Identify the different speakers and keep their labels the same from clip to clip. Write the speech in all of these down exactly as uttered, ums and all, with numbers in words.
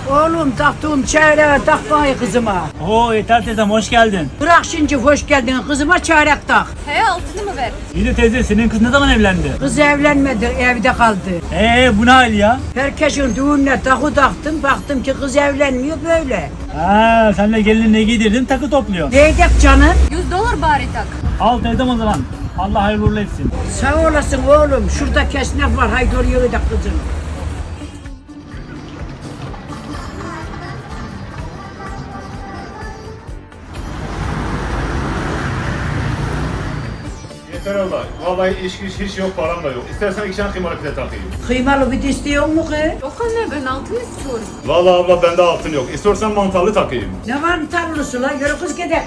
Speaker 1: Oğlum taktığım çeyreğe tak bana kızıma.
Speaker 2: Oo yeter teyzem hoş geldin.
Speaker 1: Bırak şimdi hoş geldin kızıma çeyrek tak.
Speaker 3: He altını mı ver?
Speaker 2: İyi de teyze senin kız ne zaman evlendi?
Speaker 1: Kız evlenmedi evde kaldı.
Speaker 2: Eee bu ne hal ya?
Speaker 1: Herkesin düğününe takı taktım baktım ki kız evlenmiyor böyle.
Speaker 2: Ha sen de gelinine giydirdin takı topluyorsun.
Speaker 1: Neydek canım?
Speaker 3: yüz dolar bari tak.
Speaker 2: Al teyzem o zaman. Allah hayırlı uğurlu etsin.
Speaker 1: Sağ olasın oğlum şurada kesnef var haydi oraya da kızım.
Speaker 4: Yeter Allah. Vallahi iş güç hiç yok, param da yok. İstersen iki tane kıymalı pide takayım.
Speaker 1: Kıymalı bir de istiyor mu kız?
Speaker 3: Yok anne ben altını istiyorum.
Speaker 4: Vallahi abla bende altın yok. İstiyorsan mantarlı takayım.
Speaker 1: Ne var tarlısı lan yürü kız gidelim.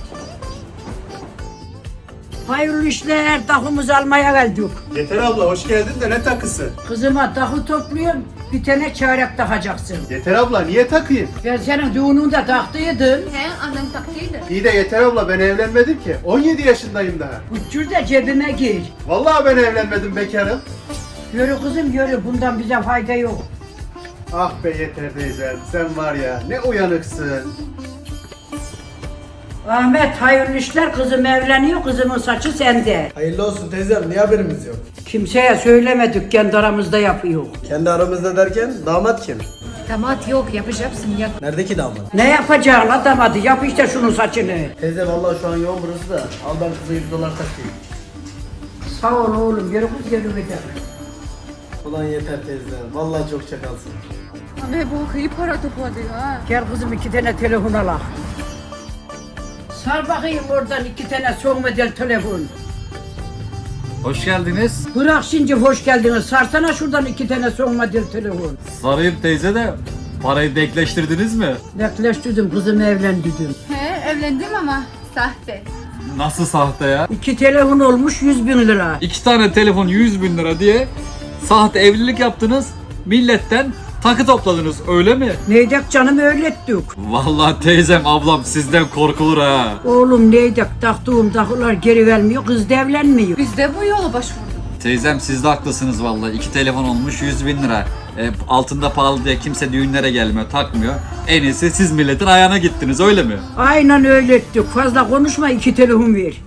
Speaker 1: Hayırlı işler takımızı almaya geldik.
Speaker 5: Yeter abla hoş geldin de ne takısı?
Speaker 1: Kızıma takı topluyorum bir tane çeyrek takacaksın.
Speaker 5: Yeter abla niye takayım?
Speaker 1: Ben senin düğününde taktıydım.
Speaker 3: He annem taktıydı.
Speaker 5: İyi de Yeter abla ben evlenmedim ki. on yedi yaşındayım daha.
Speaker 1: Uçur da cebime gir.
Speaker 5: Vallahi ben evlenmedim bekarım.
Speaker 1: Yürü kızım yürü bundan bize fayda yok.
Speaker 5: Ah be Yeter teyzem sen var ya ne uyanıksın.
Speaker 1: Ahmet hayırlı işler kızım evleniyor kızımın saçı sende.
Speaker 6: Hayırlı olsun teyzem, niye haberimiz yok?
Speaker 1: Kimseye söylemedik kendi aramızda yapıyor.
Speaker 6: Kendi aramızda derken damat kim?
Speaker 3: Damat yok yapacaksın yap.
Speaker 6: Nerede ki damat?
Speaker 1: Ne yapacaksın adamadı yap işte şunun saçını.
Speaker 6: Teyze vallahi şu an yoğun burası da al ben kıza yüz dolar takayım.
Speaker 1: Sağ ol oğlum yürü kız yürü gidelim.
Speaker 6: Ulan Yeter teyze, vallahi çok çakalsın.
Speaker 3: Anne bu iyi para topladı ha.
Speaker 1: Gel kızım iki tane telefon al. Sar bakayım oradan iki tane son model telefon.
Speaker 7: Hoş geldiniz.
Speaker 1: Bırak şimdi hoş geldiniz. Sarsana şuradan iki tane son model telefon.
Speaker 7: Sarayım teyze de parayı denkleştirdiniz mi?
Speaker 1: Bekleştirdim kızımı evlendirdim.
Speaker 3: He evlendim ama sahte.
Speaker 7: Nasıl sahte ya?
Speaker 1: İki telefon olmuş yüz bin lira.
Speaker 7: İki tane telefon yüz bin lira diye sahte evlilik yaptınız. Milletten takı topladınız öyle mi?
Speaker 1: Neydek canım öyle ettik.
Speaker 7: Vallahi teyzem ablam sizden korkulur ha.
Speaker 1: Oğlum neydek taktığım takılar geri vermiyor kız da evlenmiyor.
Speaker 3: Biz de bu yola başvurduk.
Speaker 7: Teyzem siz de haklısınız vallahi. İki telefon olmuş yüz bin lira. E, altında pahalı diye kimse düğünlere gelmiyor, takmıyor. En iyisi siz milletin ayağına gittiniz öyle mi?
Speaker 1: Aynen öyle ettik. Fazla konuşma iki telefon ver.